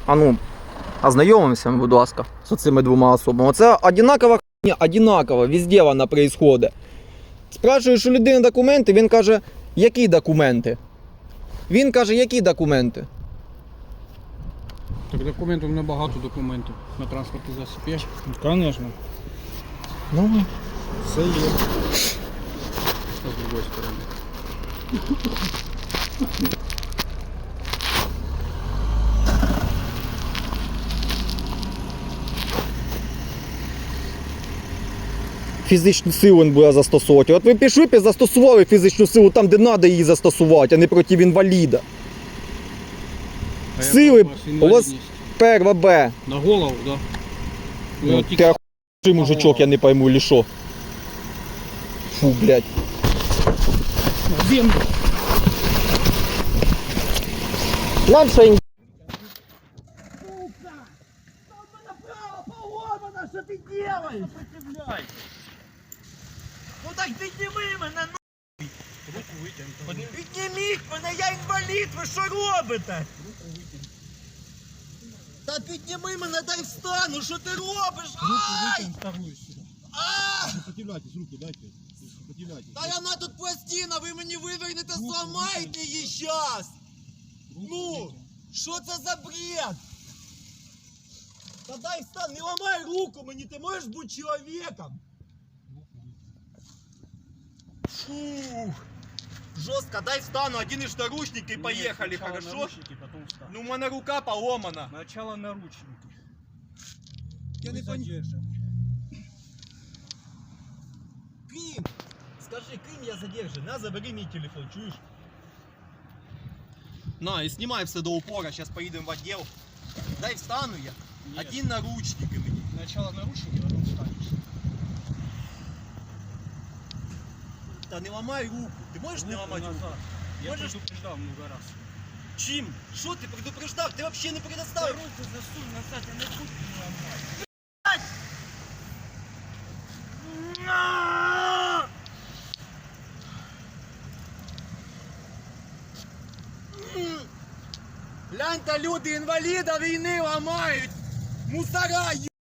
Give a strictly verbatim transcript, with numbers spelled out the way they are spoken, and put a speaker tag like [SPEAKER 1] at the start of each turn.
[SPEAKER 1] А ну, ознайомимося, будь ласка, з цими двома особами. Оце одинакова хуйня, одинаково, везде вона происходить. Спрашую, що людина документи, він каже, які документи? Він каже, які документи?
[SPEAKER 2] Так документів, у мене багато документів на транспортний засіб є. Звісно.
[SPEAKER 1] Ну,
[SPEAKER 2] Все є. Це з другої сторони.
[SPEAKER 1] фізичну силу він буде застосовувати. От ви пішли б і застосували фізичну силу там, де треба її застосувати, а не проти інваліда.
[SPEAKER 2] А
[SPEAKER 1] Сили,
[SPEAKER 2] яка у вас
[SPEAKER 1] у вас
[SPEAKER 2] інвалідність?
[SPEAKER 1] перва Б.
[SPEAKER 2] На голову, так? Да?
[SPEAKER 1] Ну, ти охуєвший мужичок, я не пойму, или що. Фу, блядь.
[SPEAKER 2] На землю.
[SPEAKER 1] Нам що ін...
[SPEAKER 3] Сука! Что направо поломано, что ты делаешь? Сопротивляйся. Ну так підніми мене, нахуй!
[SPEAKER 2] Руку витягнути.
[SPEAKER 3] Підніміть мене, я інвалід, ви що робите?
[SPEAKER 2] Руку витягнути.
[SPEAKER 3] Та підніми мене, дай встану, що ти робиш?
[SPEAKER 2] Руку
[SPEAKER 3] Ай!
[SPEAKER 2] витягнути вторую сюди.
[SPEAKER 3] А!
[SPEAKER 4] Сопротивляйтесь, руку дайте. Сопротивляйтесь.
[SPEAKER 3] Та вона тут пластина, ви мені вивернете, зламаєте її щас! Ну, що це за бред? Та дай встань, не ламай руку мені, ти можеш бути чоловіком? Фух. Жестко, дай встану, оденешь наручники и поехали, хорошо?
[SPEAKER 2] Наручники, потом встань.
[SPEAKER 3] Ну, у меня рука поломана.
[SPEAKER 2] Сначала наручники.
[SPEAKER 3] Я не понимаю. Крим! Скажи, Крим, я задержан. На, забери мне телефон, чуешь? На, и снимай все до упора, сейчас поедем в отдел. Дай встану я.
[SPEAKER 2] Нет.
[SPEAKER 3] Один наручник и мне.
[SPEAKER 2] Сначала наручники, потом встанешь.
[SPEAKER 3] Да не ломай руку. Ты можешь не ломать руку?
[SPEAKER 2] назад. Я
[SPEAKER 3] Можешь-
[SPEAKER 2] предупреждал много раз.
[SPEAKER 3] Чим? Что ты предупреждал? Ты вообще не предоставил.
[SPEAKER 2] Руку засунь назад, я не буду не ломать.
[SPEAKER 3] Гляньте, люди, інваліда війни ламають! Мусора,